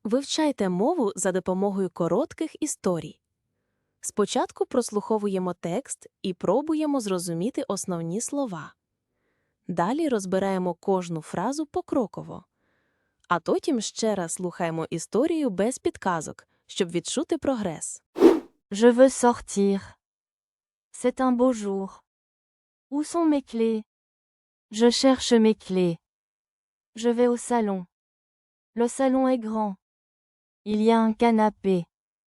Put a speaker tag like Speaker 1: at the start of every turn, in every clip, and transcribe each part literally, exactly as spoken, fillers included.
Speaker 1: Вивчайте мову за допомогою коротких історій. Спочатку прослуховуємо текст і пробуємо зрозуміти основні слова. Далі розбираємо кожну фразу покроково. А потім ще раз слухаємо історію без підказок, щоб відчути прогрес.
Speaker 2: Je veux sortir. C'est un beau jour. Où sont mes clés? Je cherche mes clés. Je vais au salon. Le salon est grand. Il y a un canapé.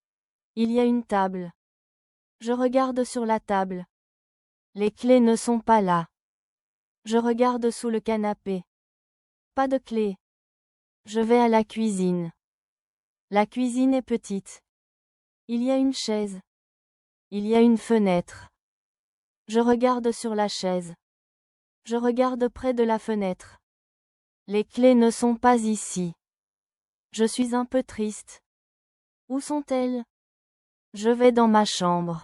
Speaker 2: Il y a une table. Je regarde sur la table. Les clés ne sont pas là. Je regarde sous le canapé. Pas de clés. Je vais à la cuisine. La cuisine est petite. Il y a une chaise. Il y a une fenêtre. Je regarde sur la chaise. Je regarde près de la fenêtre. Les clés ne sont pas ici. Je suis un peu triste. Où sont-elles? Je vais dans ma chambre.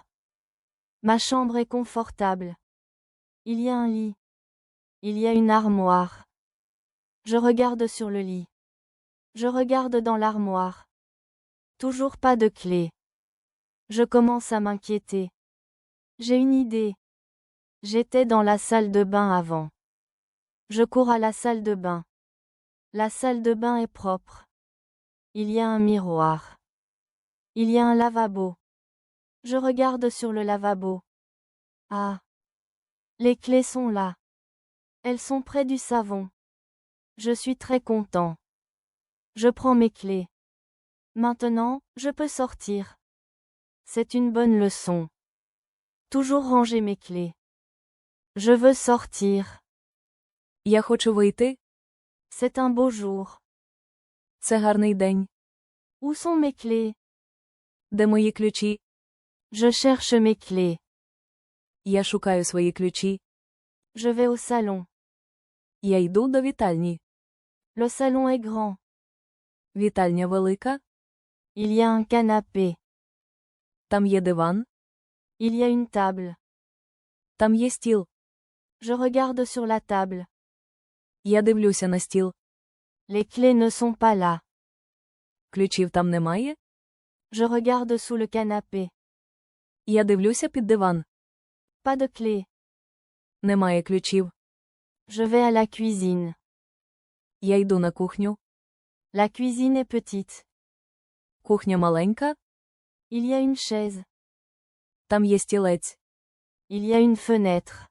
Speaker 2: Ma chambre est confortable. Il y a un lit. Il y a une armoire. Je regarde sur le lit. Je regarde dans l'armoire. Toujours pas de clé. Je commence à m'inquiéter. J'ai une idée. J'étais dans la salle de bain avant. Je cours à la salle de bain. La salle de bain est propre. Il y a un miroir. Il y a un lavabo. Je regarde sur le lavabo. Ah. Les clés sont là. Elles sont près du savon. Je suis très content. Je prends mes clés. Maintenant, je peux sortir. C'est une bonne leçon. Toujours ranger mes clés. Je veux sortir.
Speaker 1: Я хочу вийти.
Speaker 2: C'est un beau jour.
Speaker 1: Це гарний день.
Speaker 2: Où sont mes clés?
Speaker 1: Де мої ключі?
Speaker 2: Je cherche mes clés.
Speaker 1: Я шукаю свої ключі.
Speaker 2: Je vais au salon.
Speaker 1: Я йду до вітальні.
Speaker 2: Le salon est grand.
Speaker 1: Вітальня велика.
Speaker 2: Il y a un canapé.
Speaker 1: Там є диван.
Speaker 2: Il y a une table.
Speaker 1: Там є стіл.
Speaker 2: Je regarde sur la table.
Speaker 1: Я дивлюся на стіл.
Speaker 2: Les clés ne sont pas là.
Speaker 1: Ключів там немає.
Speaker 2: Je regarde sous le canapé.
Speaker 1: Я дивлюся під диван.
Speaker 2: Pas de clés.
Speaker 1: Немає ключів.
Speaker 2: Je vais à la cuisine.
Speaker 1: Я йду на кухню.
Speaker 2: La cuisine est petite.
Speaker 1: Кухня маленька.
Speaker 2: Il y a une chaise.
Speaker 1: Там є стілець.
Speaker 2: Il y a une fenêtre.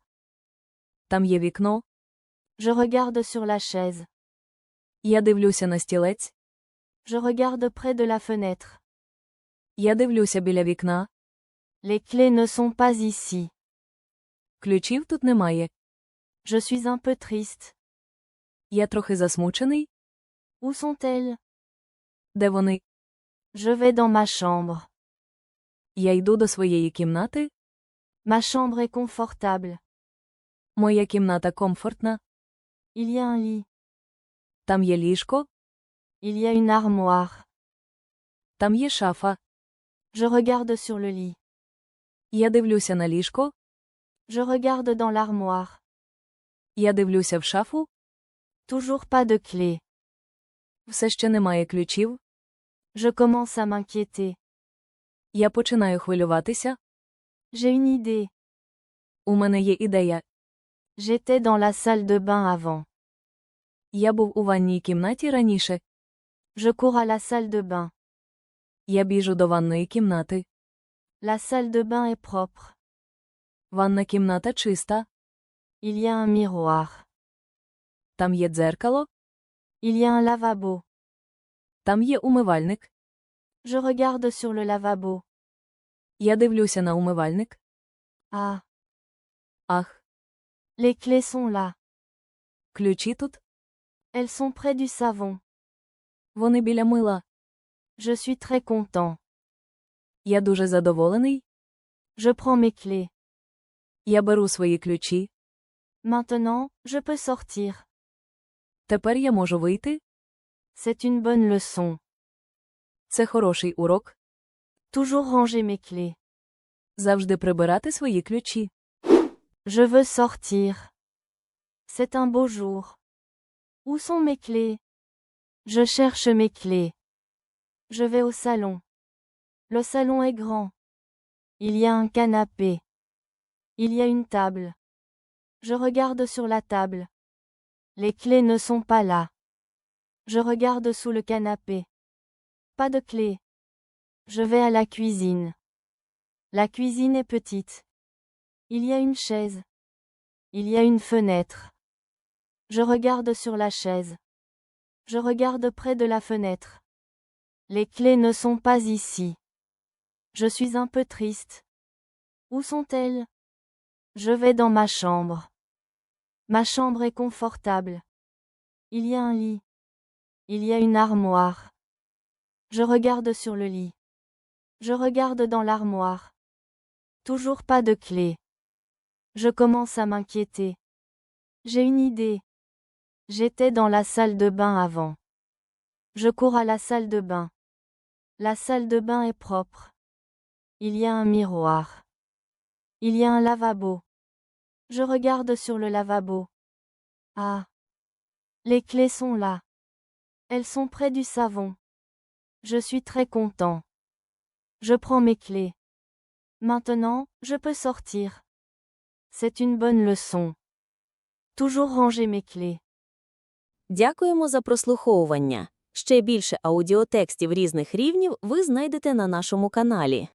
Speaker 1: Там є вікно.
Speaker 2: Je regarde sur la chaise.
Speaker 1: Я дивлюся на стілець.
Speaker 2: Je regarde près de la fenêtre.
Speaker 1: Я дивлюся біля вікна.
Speaker 2: Les clés ne sont pas ici.
Speaker 1: Ключів тут немає.
Speaker 2: Je suis un peu triste.
Speaker 1: Я трохи засмучений.
Speaker 2: Où sont-elles?
Speaker 1: Де вони?
Speaker 2: Je vais dans ma chambre.
Speaker 1: Я йду до своєї кімнати.
Speaker 2: Ma chambre est confortable.
Speaker 1: Моя кімната комфортна.
Speaker 2: Il y a un lit.
Speaker 1: Там є ліжко.
Speaker 2: Il y a une armoire.
Speaker 1: Там є шафа.
Speaker 2: Je regarde sur le lit.
Speaker 1: Я дивлюся на ліжко.
Speaker 2: Je regarde dans l'armoire.
Speaker 1: Я дивлюся в шафу.
Speaker 2: Toujours pas de clés.
Speaker 1: Все ще немає ключів.
Speaker 2: Je commence à m'inquiéter.
Speaker 1: Я починаю хвилюватися.
Speaker 2: J'ai une idée.
Speaker 1: У мене є ідея.
Speaker 2: J'étais dans la salle de bain avant.
Speaker 1: Я був у ванній кімнаті раніше.
Speaker 2: Je cours à la salle de bain.
Speaker 1: Я біжу до ванної кімнати.
Speaker 2: La salle de bain est propre.
Speaker 1: Ванна кімната чиста.
Speaker 2: Il y a un miroir.
Speaker 1: Там є дзеркало.
Speaker 2: Il y a un lavabo.
Speaker 1: Там є умивальник.
Speaker 2: Je regarde sur le lavabo.
Speaker 1: Я дивлюся на умивальник.
Speaker 2: Ah.
Speaker 1: Ах,
Speaker 2: Les clés sont là.
Speaker 1: ключі тут.
Speaker 2: Elles sont près du savon.
Speaker 1: Вони біля мила.
Speaker 2: Je suis très content.
Speaker 1: Я дуже задоволений.
Speaker 2: Je prends mes clés.
Speaker 1: Я беру свої ключі.
Speaker 2: Maintenant, je peux sortir.
Speaker 1: Тепер я можу вийти.
Speaker 2: C'est une bonne leçon.
Speaker 1: Це хороший урок.
Speaker 2: Toujours ranger mes clés.
Speaker 1: Завжди прибирати свої ключі.
Speaker 2: Je veux sortir. C'est un beau jour. Où sont mes clés? Je cherche mes clés. Je vais au salon. Le salon est grand. Il y a un canapé. Il y a une table. Je regarde sur la table. Les clés ne sont pas là. Je regarde sous le canapé. Pas de clés. Je vais à la cuisine. La cuisine est petite. Il y a une chaise. Il y a une fenêtre. Je regarde sur la chaise. Je regarde près de la fenêtre. Les clés ne sont pas ici. Je suis un peu triste. Où sont-elles? Je vais dans ma chambre. Ma chambre est confortable. Il y a un lit. Il y a une armoire. Je regarde sur le lit. Je regarde dans l'armoire. Toujours pas de clé. Je commence à m'inquiéter. J'ai une idée. J'étais dans la salle de bain avant. Je cours à la salle de bain. La salle de bain est propre. Il y a un miroir. Il y a un lavabo. Je regarde sur le lavabo. Ah. Les clés sont là. Elles sont près du savon. Je suis très content. Je prends mes clés. Maintenant, je peux sortir. C'est une bonne leçon. Toujours ranger mes clés.
Speaker 1: Дякуємо за прослуховування. Ще більше аудіотекстів різних рівнів ви знайдете на нашому каналі.